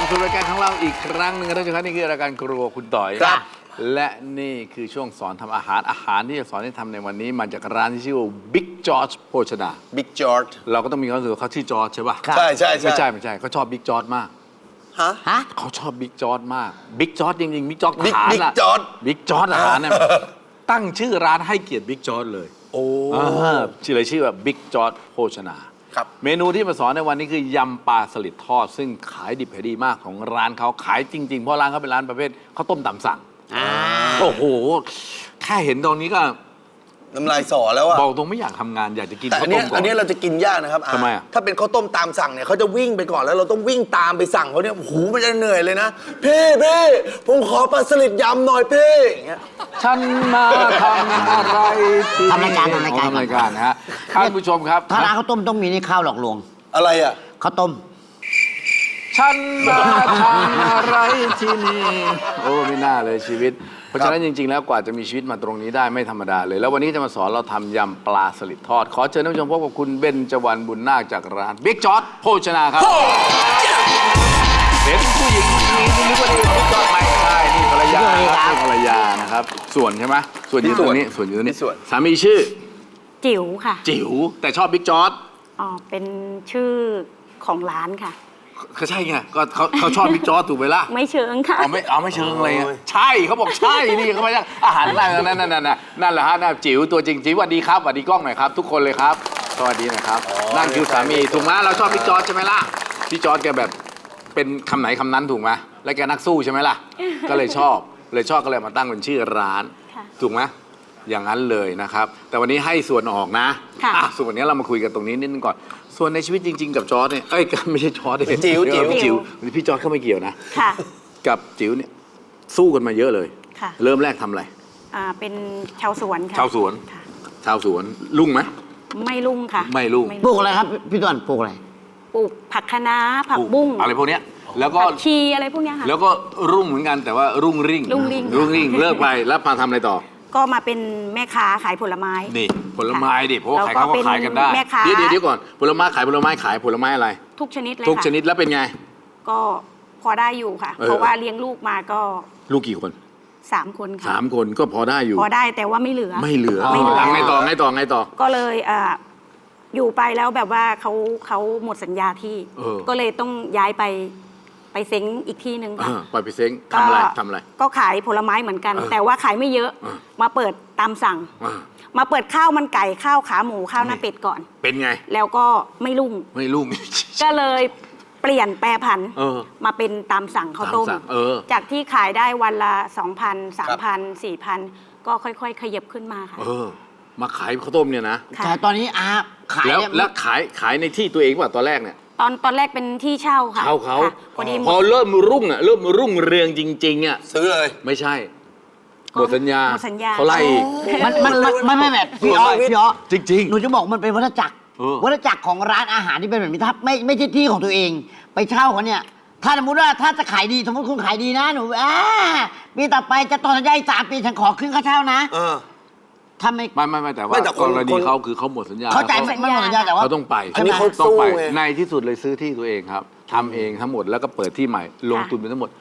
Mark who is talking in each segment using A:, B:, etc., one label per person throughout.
A: สู่รายการของเราอีกครั้งหนึ่งท่านผู้ชมครับนี่คือรายการครัวคุณต่อยครับและนี่คือช่วงสอนทำอาหารที่จะสอนให้ทำในวันนี้มาจากร้านที่ชื่อว่า Big George โภชนา
B: บิ๊กจอร์จ
A: เราก็ต้องมีความรู้สึกว่าเขาชื่อจอร์จใช่ป่ะ
B: ใช่ใช่
A: ไม่ใช่เขาชอบ Big George มาก
B: ฮะ
A: เขาชอบ Big George มาก Big George จริงๆ Big George อาหาร
B: Big
A: อะ
B: George
A: Big George อาหารเนี่ยตั้งชื่อร้านให้เกียรติ Big George เลยชื่อว่า Big George โภชนา
B: ครับ
A: เมนูที่มาสอนในวันนี้คือยำปลาสลิดทอดซึ่งขายดิบขายดีมากของร้านเขาขายจริงๆเพราะร้านเขาเป็นร้านประเภทข้าวต้มตามสั่งโอ้โหแค่เห็นตรงนี้ก็
B: น้ำลายสอแล้วอะ
A: บอกตรงไม่อยากทำงานอยากจะกิน
B: แต่
A: ข้าวต้มก่อน
B: อันนี้เราจะกินยากนะครับ
A: ทำไมอะ
B: ถ้าเป็นข้าวต้มตามสั่งเนี่ยเขาจะวิ่งไปก่อนแล้วเราต้องวิ่งตามไปสั่งเขาเนี่ยโอ้โหมันจะเหนื่อยเลยนะพี่ผมขอปลาสลิดยำหน่อยพี่อย่างเงี้ย
A: ฉันมาทำอะไรที่
C: ทำรายการ
A: ทำรายการนะฮะท่านผู้ชมครับ
C: ถ้าร้านข้าวต้มต้องมีนี่ข้าวหลอกลวง
B: อะไรอะ
C: ข้าวต้ม
A: ฉันมาทำอะไรที่นี่โอ้ไม่น่าเลยชีวิตเพราะฉะนั้นจริงๆแล้วกว่าจะมีชีวิตมาตรงนี้ได้ไม่ธรรมดาเลยแล้ววันนี้จะมาสอนเราทำยำปลาสลิดทอดขอเชิญท่านผู้ชมพบกับคุณเบญจวรรณบุญนาคจากร้านบิ๊กจอร์จโภชนาครับเห็นผู้หญิงคนนี้นึกว่านี่บิ๊กจอร์จไม่ใช่นี่ภรรยาครับนี่ภรรยานะครับส่วนใช่ไหมส่วนอยู่ตรงนี้ส่วนอยู่ตรงนี้สามีชื่อ
D: จิ๋วค่ะ
A: จิ๋วแต่ชอบบิ๊กจอร์จ
D: อ๋อเป็นชื่อของร้านค่ะ
A: ก็ใช่ไงก็เขาชอบบิ๊กจอร์จถูกไหมล่ะ
D: ไม่เชิงค่ะ
A: เอาไม่เชิงอะไรใช่เขาบอกใช่นี่เขาไม่ใช่อาหารนั่นแหละฮะจิ๋วตัวจริงจิ๋วสวัสดีครับสวัสดีกล้องหน่อยครับทุกคนเลยครับสวัสดีนะครับนั่นคือสามีถูกไหมเราชอบบิ๊กจอร์จใช่ไหมล่ะบิ๊กจอร์จแกแบบเป็นคำไหนคำนั้นถูกไหมแล้วแกนักสู้ใช่ไหมล่ะก็เลยชอบก็เลยมาตั้งเป็นชื่อร้านถูกไหมอย่างนั้นเลยนะครับแต่วันนี้ให้ส่วนออกนะส่วนวันนี้เรามาคุยกันตรงนี้นิดนึงก่อนส่วนในชีวิตจริงๆกับจอร์จเนี่ยไม่ใช่จอร์จเลยจิ๋วพี่จอร์จเขาไม่เกี่ยวนะกับจิ๋วเนี่ยสู้กันมาเยอะเลยเริ่มแรกทำอะไร
D: เป็นชาวสวนค่ะ
A: ชาวสวนลุ่งไหม
D: ไม่ลุ่งค่ะ
A: ไม่ลุ่ง
C: ปลูกอะไรครับพี่ต้นปลูกอะไร
D: ปลูกผักคะน้าผักบุ้ง
A: อะไรพวกเนี้ยแล้วก็
D: ชีอะไรพวกเนี้ยค่ะ
A: แล้วก็รุ่งเหมือนกันแต่ว่ารุ่งริ่งเลิกไปแล้วมาทำอะไรต่อ
D: ก็มาเป็นแม่ค้าขายผลไม้
A: นี่ผลไม้ดิเพราะว่าขายเขาก็ขายกันได้เดี๋ยวก่อนผลไม้ขายผลไม้อะไร
D: ทุกชนิดเลย
A: ทุกชนิดแล้วเป็นไง
D: ก็พอได้อยู่ค่ะเพราะว่าเลี้ยงลูกมาก็
A: ลูกกี่คน
D: 3 คนค่ะ
A: 3 คนก็พอได้อยู่
D: พอได้แต่ว่าไม่เหลือ
A: ไงต่อ
D: ก็เลยอยู่ไปแล้วแบบว่าเขาหมดสัญญาที่ก็เลยต้องย้ายไปเซ้งอีกที่หนึ่งค่ะ
A: ไปเซ้งทำอะไร
D: ก็ขายผลไม้เหมือนกันแต่ว่าขายไม่เยอะมาเปิดตามสั่งมาเปิดข้าวมันไก่ข้าวขาหมูข้าวหน้าเป็ดก่อน
A: เป็นไง
D: แล้วก็ไม่รุ่งก็เลยเปลี่ยนแปรผันมาเป็นตามสั่งข้าวต้มจากที่ขายได้วันละ 2,000 3,000 4,000 ก็ค่อยๆขยับขึ้นมาค่ะ
A: มาขายข้าวต้มเนี่ยนะ
C: แต่ตอนนี้ขาย
A: แล้วขายในที่ตัวเองป่ะตอนแรกเนี่ย
D: ตอนแรกเป็นที่เช่าค่ะ
A: เขาพอเริ่มรุ่งเรืองจริงๆอ่ะ
B: ซื้อเลย
A: ไม่ใช่หมดสัญญาเขาไล่
C: มันไม่แบบพี่อ๋อ
A: จริง
C: หนูจะบอกมันเป็นวัฏจักรของร้านอาหารที่เป็นแบบนี้ถ้าไม่ใช่ที่ของตัวเองไปเช่าเขาเนี่ยถ้าสมมติว่าถ้าจะขายดีสมมติคุณขายดีนะหนูปีต่อไปจะต่อสัญญาอีก3 ปีฉันขอขึ้นค่าเช่านะ
A: ถ้าไม่แต่ว่ากรณีเขาคือเขาหมดสัญญา
C: เขาจ่ายไม่หมดสัญญาแต่ว่า
A: เขาต้องไป
B: อันนี้เขาต้องไป
A: ในที่สุดเลยซื้อที่ตัวเองครับทำเองทั้งหมดแล้วก็เปิดที่ใหม่ลงทุนไปทั้งหมด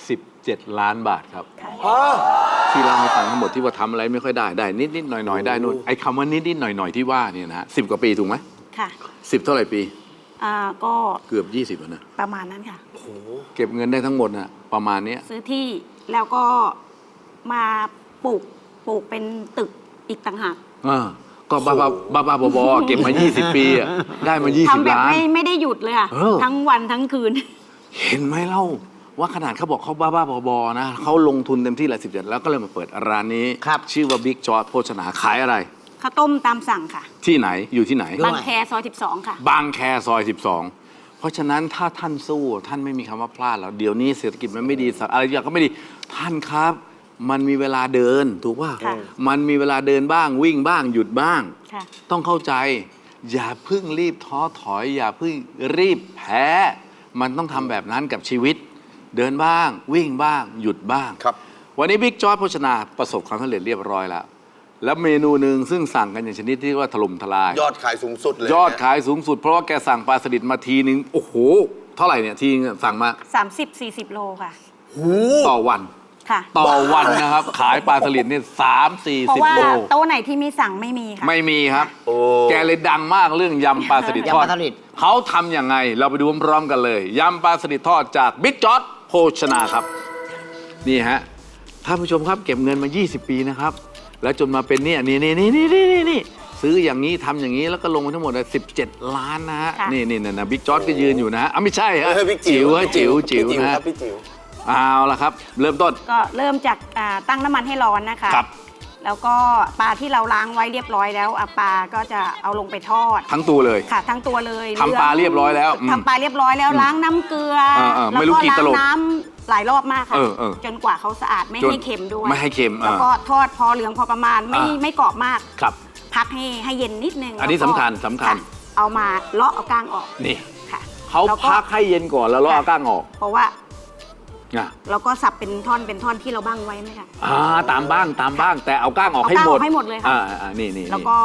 A: 17 ล้านบาทครับที่เล่าให้ฟังทั้งหมดที่ว่าทำอะไรไม่ค่อยได้นิดหน่อยได้นู่นไอ้คำว่านิดหน่อยที่ว่าเนี่ยนะ10 กว่าปีถูกไหม
D: ค่ะ
A: 10 เท่าไหร่ปี
D: ก็
A: เกือบ20แล้วนะ
D: ประมาณนั้นค่ะ
A: เก็บเงินได้ทั้งหมดน่ะประมาณนี้
D: ซื้อที่แล้วก็มาปลูกเป็นตึกอีกต่างหาก
A: ก็บ้าบอเก็บมา20 ปีอะได้มา20 ล้านทำแบบ
D: ไม่ได้หยุดเลยอะทั้งวันทั้งคืน
A: เห็นไหมเล่าว่าขนาดเขาบอกเขาบ้าบอนะเขาลงทุนเต็มที่ละ17แล้วก็เลยมาเปิดร้านนี้ชื่อว่าบิ๊กจอร์จโภชนาขายอะไร
D: ข้าวต้มตามสั่งค่ะ
A: ที่ไหนอยู่ที่ไหน
D: บางแคซอย12ค่ะ
A: บางแคซอย12เพราะฉะนั้นถ้าท่านสู้ท่านไม่มีคำว่าพลาดแล้วเดี๋ยวนี้เศรษฐกิจมันไม่ดีอะไรอย่างก็ไม่ดีท่านครับมันมีเวลาเดินถูกป่ะมันมีเวลาเดินบ้างวิ่งบ้างหยุดบ้างต้องเข้าใจอย่าเพิ่งรีบท้อถอยอย่าเพิ่งรีบแพ้มันต้องทำแบบนั้นกับชีวิตเดินบ้างวิ่งบ้างหยุดบ้างวันนี้บิ๊กจอร์จโภชนาประสบความสำเร็จเรียบร้อยแล้วเมนูหนึ่งซึ่งสั่งกันอย่างชนิดที่ว่าถล่มทลาย
B: ยอดขายสูงสุดเลย
A: ยอดขายสูงสุดเพราะว่าแกสั่งปลาสลิดมาทีนึงโอ้โหเท่าไหร่เนี่ยที่สั่งมา
D: 30-40 โลค่ะ
A: ต่อวัน
D: ค่ะ
A: ต่อวันนะครับ ขายปลาสลิดนี่3-40
D: เพราะว่า
A: โล
D: โต๊ะไหนที่มีสั่งไม่มีค่ะ
A: ไม่มีครับ แกเลยดังมากเรื่องยำปลาสลิดทอด
C: ยำปลาสลิด
A: เขาทำยังไงเราไปดูพร้อมๆกันเลยยำปลาสลิดทอดจากบิ๊กจอร์จโภชนาครับนี่ฮะท่านผู้ชมครับเก็บเงินมา 20 ปีนะครับแล้วจนมาเป็นเนี่ยนี่ซื้ออย่างนี้ทำอย่างนี้แล้วก็ลงไปทั้งหมด17 ล้านนะฮะ
D: ค่ะ
A: นี่นะบิ๊กจอร์จก็ยืนอยู่นะฮะไม่ใช่ฮะ
B: บิ๊กจิ๋ว
A: ฮะจิ๋ว
B: พี่
A: นะ
B: ค
A: ฮะ
B: รับพี่จิ๋ว
A: เอาละครับ เริ่มต้น
D: ก็เริ่มจากตั้งน้ำมันให้ร้อนนะคะ
A: ครับ
D: แล้วก็ปลาที่เราล้างไว้เรียบร้อยแล้วปลาก็จะเอาลงไปทอด
A: ทั้งตัวเลย
D: ค่ะ ทั้งตัวเลย
A: ทำปลาเรียบร้อยแล้ว
D: ทำปลาเรียบร้อยแล้วล้างน้ำเกลือ
A: ไม่
D: แล้ว
A: รู้
D: ก็
A: กี่
D: ล้า
A: ตล
D: ง
A: บ
D: น้ำหลายรอบมากค่ะ
A: เออ
D: จนกว่าเขาสะอาดไม่
A: จน
D: ให้เค็มด้วย
A: ไม่ให้เค็ม
D: แล้วก็ทอดพอเหลืองพอประมาณไม่กรอบมาก
A: ครับ
D: พักให้เย็นนิดนึง
A: อันนี้
D: แล้วก็
A: สำคัญสำคัญ
D: ะเอามาเลาะเอาก้างออก
A: นี่
D: ค่ะ
A: เขา
D: แล้วก็
A: พักให้เย็นก่อนแล้วเราเอาก้างออก
D: เพราะว่า
A: อ่ะ
D: เราก็สับเป็นท่อนที่เราบ้างไว้ไหมคะ
A: ตามบ้างแต่เอาก้างออกให้หมด
D: เอาก้างออกให้หมดเลยค่ะ
A: นี่
D: แล้วก็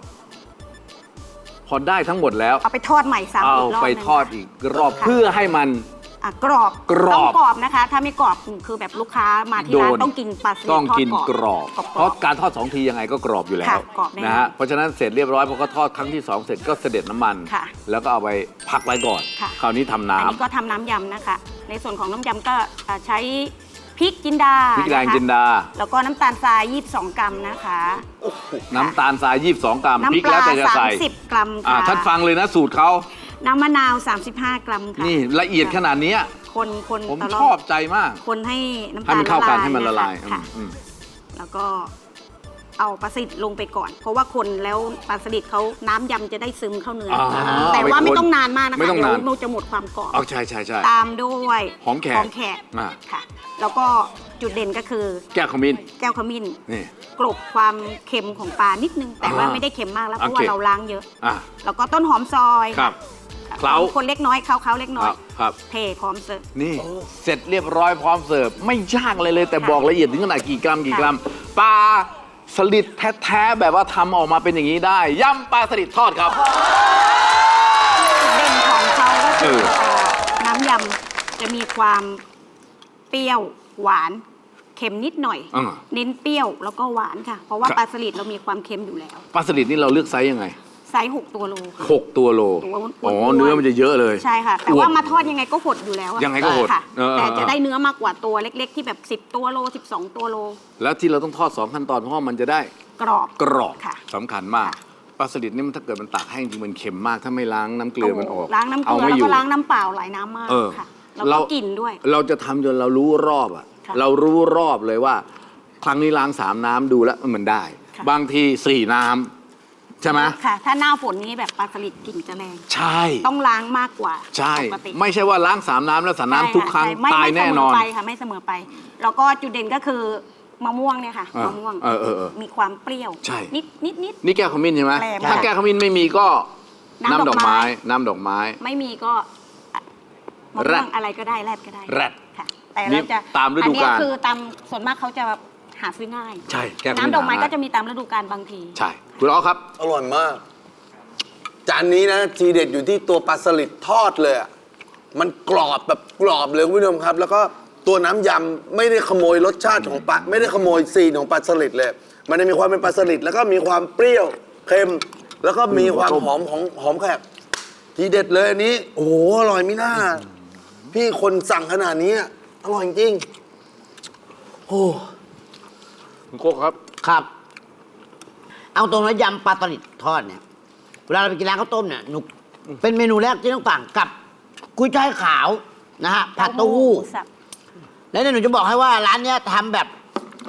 A: พอได้ทั้งหมดแล้ว
D: เอาไปทอดใหม่ซ้ำ
A: เอา
D: อีกรอบ
A: ไป
D: หนึ่ง
A: ทอดอีกรอบ
D: ค่ะ
A: เพื่อให้มัน
D: กรอบ
A: กรอบ
D: ต้องกรอบนะคะ ถ้าไม่กรอบคือแบบลูกค้ามาที่ร้านต้องกินปลาสลิด
A: ต้อง
D: ทอด
A: กินกรอบ
D: กรอบ
A: เพราะการทอด2 ทียังไงก็กรอบอยู่แล้ว
D: ค่ะกรอบแน่
A: นะฮะเพราะฉะนั้นเสร็จเรียบร้อยพอเขาทอดครั้งที่ 2 เสร็จก็เสด็จน้ำมัน
D: ค่ะ
A: แล้วก็เอาไปพักไว้ก่อน
D: ค่ะ
A: คราวนี้ทำ
D: อัน
A: น้ำ
D: นี้ก็ทำน้ำยำนะคะ ในส่วนของน้ำยำก็ใช้พริกจินดา
A: พริกแดง
D: นะคะ
A: จินดา
D: แล้วก็น้ำตาลทราย22 กรัมนะคะ
A: น้ำตาลทราย22 กรัมพริก
D: น้ำป
A: แล้ว
D: ลา
A: แต่จะใส่
D: 30 กรัมค่ะ
A: ท่านฟังเลยนะสูตรเขา
D: น้ำมะนาว 35 กรัมค่ะ
A: นี่ละเอียดขนาดเนี้ย
D: คน
A: ผม
D: ตลด
A: ชอบใจมาก
D: คนให้น้ำ
A: ให้
D: ตาล
A: มันเข้ากันให้มันละลาย
D: ค่ะ
A: อืม
D: แล้วก็เอาปลาสลิดลงไปก่อน เพราะว่าคนแล้วปลาสลิดเขาน้ำยำจะได้ซึมเข้าเนื้ออแต่ว่าไม่ต้องนานมากนะคะ
A: ไม่ต้องนาน
D: เดี๋ยวมันจะหมดความกรอบ
A: เอาใช่
D: ตามด้วย
A: หอมแขก อ่า
D: ค่ะ แล้วก็จุดเด่นก็คือ
A: แก้วขมิ้น
D: แก้วขมิ้น
A: นี่
D: กลบความเค็มของปลานิดนึง แต่ว่า
A: อ่า
D: ไม่ได้เค็มมากแล้วเพ
A: โอ
D: ราะ
A: เค
D: ว่าเราล้างเยอะ
A: อ่ะ
D: แล้วก็ต้นหอมซอย
A: ครับ เคล้า
D: คนเล็กน้อยเขาเล็กน้อย
A: ครับ
D: เทพร้อมเสิร์ฟ
A: นี่เสร็จเรียบร้อยพร้อมเสิร์ฟไม่ยากเลยแต่บอกละเอียดถึงขนาดกี่กรัมปลาสลิดแท้ๆแบบว่าทำออกมาเป็นอย่างนี้ได้ยำปลาสลิดทอดครับ
D: จุดเด่นของเขาก็คือ
A: เออ
D: น้ำยำจะมีความเปรี้ยวหวานเค็มนิดหน่อย เน้นเปรี้ยวแล้วก็หวานค่ะ เพราะว่าปลาสลิดเรามีความเค็มอยู่แล้ว
A: ปลาสลิดนี่เราเลือกไซส์ยังไง
D: ไซส์6 ตัวโลค่ะ
A: 6 ตัวโล
D: ตัวอ้วนๆ
A: อ๋อเนื้อมันจะเยอะเลย
D: ใช่ค่ะ แต่ว่ามาทอดยังไงก็หดอยู่แล้วอะ
A: ยังไงก็หด
D: ค่ะ
A: เออ
D: แต่จะได้เนื้อมากกว่าตัวเล็ก ๆ ที่แบบ10 ตัวโล12 ตัวโล
A: แล้วที่เราต้องทอด2 ขั้นตอนเพราะว่ามันจะได้
D: กรอบ
A: กรอบ
D: ค่ะ
A: สำคัญมากปลาสลิดนี่มันถ้าเกิดมันตากแห้งจริงมันเค็มมากถ้าไม่ล้างน้ำเกลือมันออก
D: ล้างน้ำเกลือ
A: ไม่
D: แล้ว
A: อยู่
D: ก็ล้างน้ำเปล่าหลายน้ำมาก
A: เออ
D: ค่ะแล้วก็กลิ่นด้วย
A: เราจะทำจนเรารู้รอบอ่ะ
D: ค่ะ
A: เรารู้รอบเลยว่า ครั้งนี้ล้าง3 น้ำดูแล้วมันได้
D: ค่ะ
A: บางที4 น้ำใช่ไหม
D: ค่ะ ถ้าหน้าฝนนี้แบบปลาสลิดกลิ่นจะแรง
A: ใช่
D: ต้องล้างมากกว่า
A: ใช่
D: ปกติ
A: ไม่ใช่ว่าล้าง3 น้ำแล้วสาน้ำทุกครั้ง
D: ใช่ไม่
A: ตายแน่นอน
D: ไม่เสมอไปค่ะไม่เสมอไป แล้วก็จุดเด่นก็คือมะม่วงเนี่ยค่ะ
A: อ่าม
D: ะม่วง
A: เออ
D: มีความเปรี้ยว
A: ใช่
D: นิด
A: นี่แก้วขมิ้นใช่ไหม
D: แรง
A: ถ้าแก้วขมิ้นไม่มีก็
D: น้ำดอกไม้
A: น้ำดอกไม้
D: ไม่มีก็มะ
A: แร
D: ม่ว
A: ด
D: งอะไรก็ได้แรดก็ได้
A: แรด
D: ค่ะ แต่
A: นี่
D: เราจะ
A: ตามฤดูกาล
D: อันเนี้ยคือตามส่วนมากเขาจะหาซื้อง่าย
A: ใช่แก้วขมิ้น
D: น้ำดอกไม้
A: หา
D: ก็จะมีตามฤดูกาลบางที
A: ใช่คุณอ๋อครับ
B: อร่อยมาก จานนี้นะทีเด็ดอยู่ที่ตัวปลาสลิดทอดเลยอะมันกรอบแบบกรอบเลยคุณผู้ชมครับ แล้วก็ตัวน้ำยำไม่ได้ขโมยรสชาติของปลาไม่ได้ขโมยซีนของปลาสลิดเลย มันจะมีความเป็นปลาสลิดแล้วก็มีความเปรี้ยวเค็ม แล้วก็มีความหอมของหอมแขกทีเด็ดเลยอันนี้ โอ้โหอร่อยไม่น่า พี่คนสั่งขนาดนี้อะอร่อยจริงโอ้
A: คุณโก้ครับ
C: ครับ เอาตรงนะยำปลาสลิดทอดเนี่ย เวลาเราไปกินร้านข้าวต้มเนี่ยหนูเป็นเมนูแรกที่ต้องสั่งกับกุ้ยช่ายขาวนะฮะผัดเต้าหู้
D: หมูสับ
C: แล้วเนี่ยหนูจะบอกให้ว่าร้านเนี้ยทำแบบ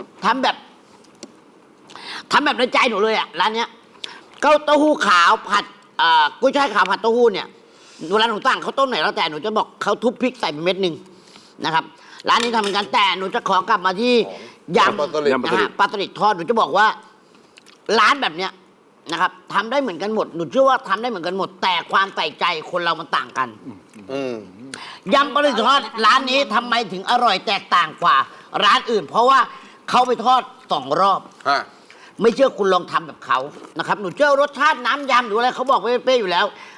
C: ในใจหนูเลยอ่ะร้านเนี้ยก็เต้าหู้ขาวผัดกุ้ยช่ายขาวผัดเต้าหู้เนี่ยเวลาหนูสั่งข้าวต้มไหนแล้วแต่หนูจะบอกเขาทุบพริกใส่ไปเม็ดหนึ่งนะครับ ร้านนี้ทำเหมือนกันแต่หนูจะขอกลับมาที่ยำ
B: ปลาสลิด
C: นะฮะปลาสลิดทอดหนูจะบอกว่า ร้านแบบเนี้ยนะครับทำได้เหมือนกันหมดหนูเชื่อว่าทำได้เหมือนกันหมด แต่ความใส่ใจคนเรามันต่างกัน
B: อืม
C: ยำปลาสลิดทอดร้านนี้ทำไมถึงอร่อยแตกต่างกว่า ร้านอื่น เพราะว่าเขาไปทอด2 รอบ
B: ฮะ
C: ไม่เชื่อคุณลองทำแบบเขานะครับหนูเชื่อรสชาติน้ำยำหรืออะไรเขาบอกเป๊ะๆอยู่แล้ว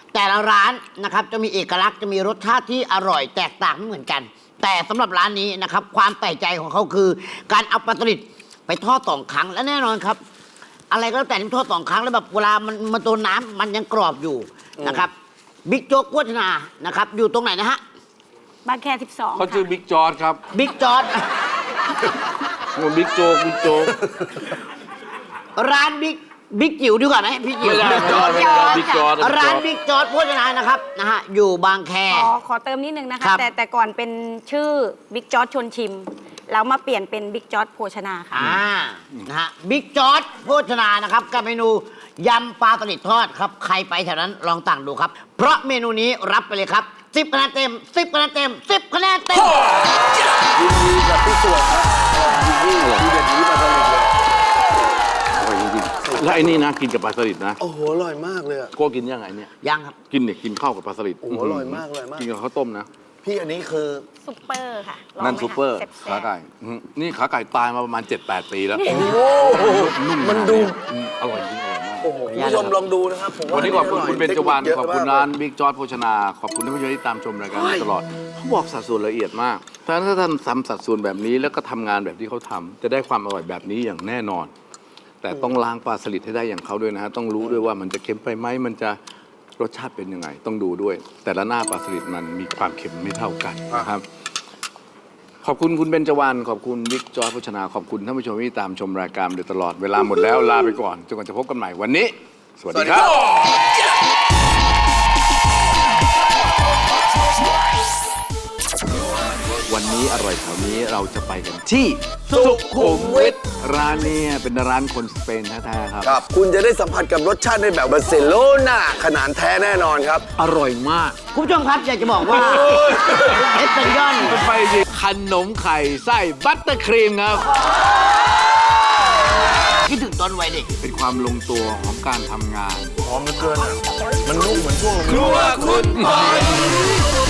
C: แต่ละร้านนะครับจะมีเอกลักษณ์จะมีรสชาติที่อร่อยแตกต่างไม่เหมือนกัน แต่สำหรับร้านนี้นะครับความแปลกใจของเขาคือ การเอาปลาสลิดไปทอด2 ครั้งและแน่นอนครับ อะไรก็แล้วแต่ที่ทอด2 ครั้งแล้วแบบเวลามันโดนน้ำมันยังกรอบอยู่นะครับบิ๊กโจ๊กโภชนานะครับอยู่ตรงไหนนะฮะ
D: บางแค 12
A: เขาชื่อบิ๊กจอร์ดครับ
C: บิ๊กจอร์ด
A: บิ๊กโจ๊กบิ๊กโจ๊ก
C: ร้านบิ๊กจิ๋วดีกว่าไหมพี่จิ๋ว
A: ไม่ได้บิ๊กจอร์ด
C: ร้านบิ๊กจอร์ดโภชนานะครับนะฮะอยู่บางแค
D: ขอเติมนิดนึงนะ
C: ครั
D: คะ
C: บ
D: แต่ก่อนเป็นชื่อบิ๊กจอร์ดชวนชิม แล้วมาเปลี่ยนเป็นบิ๊กจอร์ดโภชนาค่ะ
C: นะฮะบิ๊กจอร์ดโภชนานะครับกับเมนูยำปลาสลิดทอดครับใครไปแถวนั้นลองสั่งดูครับ เพราะเมนูนี้รับไปเลยครับ10 คะแนนเต็ม10 คะแนนเต็ม10 คะแนนเต็ม
B: ยินดีกับพี่ส่วนครับยินดีทีเด็ดนี้มาสลิดเลย
A: อร่อยจริงๆแล้วไอ้นี่นะกินกับปลาสลิดนะ
B: โอ้โหอร่อยมากเลยอะ
A: โก้กินยังไงเนี่ย
C: ยังครับ
A: กินเนี่ยกินข้าวกับปลาสลิด
B: โอ้โหอร่อยมากเลยมาก
A: กินกับข้าวต้มนะ
B: พี่อันนี้คือ
D: ซุปเปอร์ค่ะลอง
A: นั่น
D: ไหม
A: ซูเปอร์
D: คะแซ่
A: ขา
D: บๆ
A: ไก่นี่ขาไก่ตายมาประมาณ 7-8 ปีแล้ว
B: โอ้โห
A: นุ่ม
B: มันดู
A: อร่อยจริงอร่อยมาก
B: โอ้โหคุณผู้ชมลองดูนะครับผมว่า
A: วันนี้ขอบคุณคุณเบญจวรรณ
B: เทคนิคเยะ
A: ขอบคุณ
B: มก
A: ร้านบิ๊กจอร์ดโภชนา ขอบคุณท่านผู้ชมที่ตามชมรายการมาตลอดเขาบอกสัดส่วนละเอียดมากถ้าท่านทำสัดส่วนแบบนี้แล้วก็ทำงานแบบที่เขาทำจะได้ความอร่อยแบบนี้อย่างแน่นอน แต่ต้องล้างปลาสลิดให้ได้อย่างเขาด้วยนะฮะต้องรู้ด้วยว่ามันจะเค็มไปไหมมันจะรสชาติเป็นยังไง ต้องดูด้วย แต่ละหน้าปลาสลิดมันมีความเค็มไม่เท่ากันนะครับ ขอบคุณคุณเบญจวรรณขอบคุณบิ๊กจอร์ดโภชนา ขอบคุณท่านผู้ชมที่ตามชมรายการมาโดยตลอดเวลาหมดแล้วลาไปก่อนจนกว่าจะพบกันใหม่วันนี้ สวัสดีครับ วันนี้อร่อยแถวนี้เราจะไปกันที่สุขุมวิทร้านเนี้เป็นร้านคนสเปนแท้ๆครับ
B: ครับ คุณจะได้สัมผัสกับรสชาติในแบบบาร์เซโลนาขนาดแท้แน่นอนครับ
A: อร่อยมาก
C: คุณผู้ชมครับอยากจะบอกว่าเอสเปนยอน
A: ไปดิขนมไข่ไส้บัตเตอร์ครีมครับ
C: คิดถึงตอนวัยเด็ก
A: เป็นความลงตัวของการทำงาน
B: หอมเหลือเกินอะมันนุ่มเหมือนช่วง
A: ครัวคุณปอย